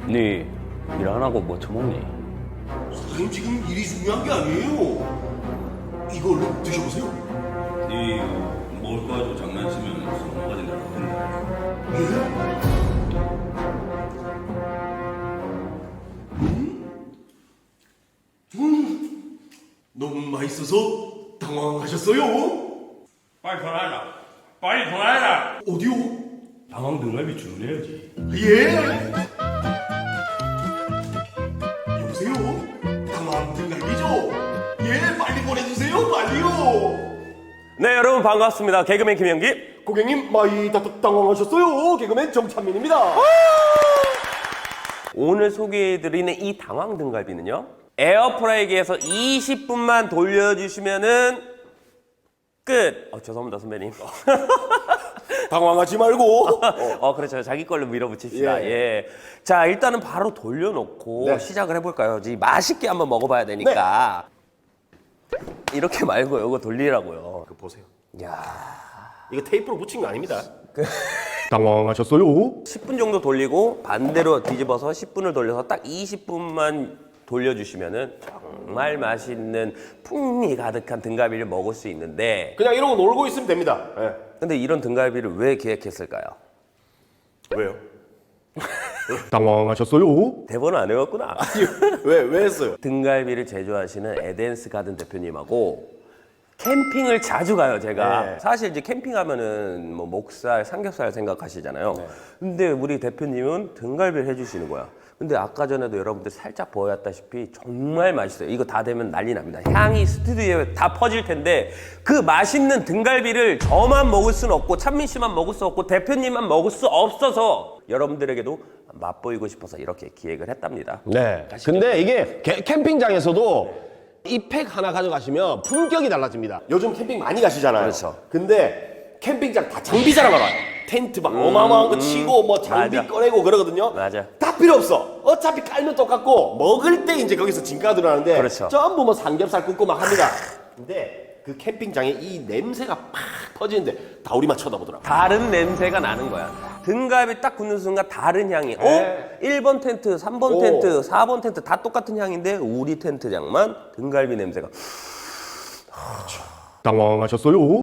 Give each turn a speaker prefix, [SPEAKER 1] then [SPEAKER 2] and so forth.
[SPEAKER 1] 네 일 안 하고 뭐 처먹니?
[SPEAKER 2] 사장님 지금 일이 중요한 게 아니에요. 이거 얼른 드셔보세요.
[SPEAKER 3] 네 먹을 거 가지고 장난치면 서너 가지 내가 혼내.
[SPEAKER 2] 예? 너무 맛있어서 당황하셨어요?
[SPEAKER 3] 빨리 전화해라. 빨리 전화해라.
[SPEAKER 2] 어디요?
[SPEAKER 3] 방황 등갈비 주문해야지.
[SPEAKER 2] 예? 여보세요? 당황 등갈비죠? 예, 빨리 보내주세요, 빨리요.
[SPEAKER 4] 네, 여러분 반갑습니다. 개그맨 김영기.
[SPEAKER 2] 고객님 많이 당황하셨어요. 개그맨 정찬민입니다.
[SPEAKER 4] 오늘 소개해드리는 이 당황 등갈비는요, 에어프라이기에서 20분만 돌려주시면은 끝. 죄송합니다 선배님.
[SPEAKER 2] 당황하지 말고.
[SPEAKER 4] 그렇죠. 자기 걸로 밀어붙입시다.
[SPEAKER 2] 예.
[SPEAKER 4] 예. 자, 일단은 바로 돌려놓고
[SPEAKER 2] 네.
[SPEAKER 4] 시작을 해볼까요? 이제 맛있게 한번 먹어봐야 되니까. 이렇게 말고 이거 돌리라고요.
[SPEAKER 2] 그 보세요.
[SPEAKER 4] 야,
[SPEAKER 2] 이거 테이프로 붙인 거 아닙니다. 당황하셨어요?
[SPEAKER 4] 10분 정도 돌리고 반대로 뒤집어서 10분을 돌려서 딱 20분만 돌려주시면은 정말 맛있는 풍미 가득한 등갈비를 먹을 수 있는데,
[SPEAKER 2] 그냥 이러고 놀고 있으면 됩니다. 예.
[SPEAKER 4] 근데 이런 등갈비를 왜 기획했을까요?
[SPEAKER 2] 왜요? 당황하셨어요?
[SPEAKER 4] 대본을 안 외웠구나.
[SPEAKER 2] 왜 했어요?
[SPEAKER 4] 등갈비를 제조하시는 에덴스 가든 대표님하고 캠핑을 자주 가요, 제가.
[SPEAKER 2] 네.
[SPEAKER 4] 사실 이제 캠핑하면은 뭐 목살, 삼겹살 생각하시잖아요. 근데 우리 대표님은 등갈비를 해주시는 거야. 근데 아까 전에도 여러분들 살짝 보였다시피 정말 맛있어요. 이거 다 되면 난리 납니다. 향이 스튜디오에 다 퍼질 텐데, 그 맛있는 등갈비를 저만 먹을 수는 없고 찬민 씨만 먹을 수 없고 대표님만 먹을 수 없어서 여러분들에게도 맛보이고 싶어서 이렇게 기획을 했답니다.
[SPEAKER 5] 네. 근데 이게 캠핑장에서도 이 팩 하나 가져가시면 품격이 달라집니다.
[SPEAKER 2] 요즘 캠핑 많이 가시잖아요.
[SPEAKER 4] 그렇죠.
[SPEAKER 2] 근데 캠핑장 다 장비 자랑하러 와요. 텐트 막 어마어마한 거 치고 뭐 장비
[SPEAKER 4] 맞아.
[SPEAKER 2] 꺼내고 그러거든요.
[SPEAKER 4] 맞아.
[SPEAKER 2] 다 필요 없어. 어차피 깔면 똑같고 먹을 때 이제 거기서 진가가 들어가는데
[SPEAKER 4] 그렇죠.
[SPEAKER 2] 전부 뭐 삼겹살 굽고 막 합니다. 근데 그 캠핑장에 이 냄새가 팍 퍼지는데 다 우리만 쳐다보더라고.
[SPEAKER 4] 다른 냄새가 나는 거야. 등갈비 딱 굽는 순간 다른 향이.
[SPEAKER 2] 네.
[SPEAKER 4] 1번 텐트, 3번 텐트, 4번 텐트 다 똑같은 향인데 우리 텐트장만 등갈비 냄새가.
[SPEAKER 2] 당황하셨어요?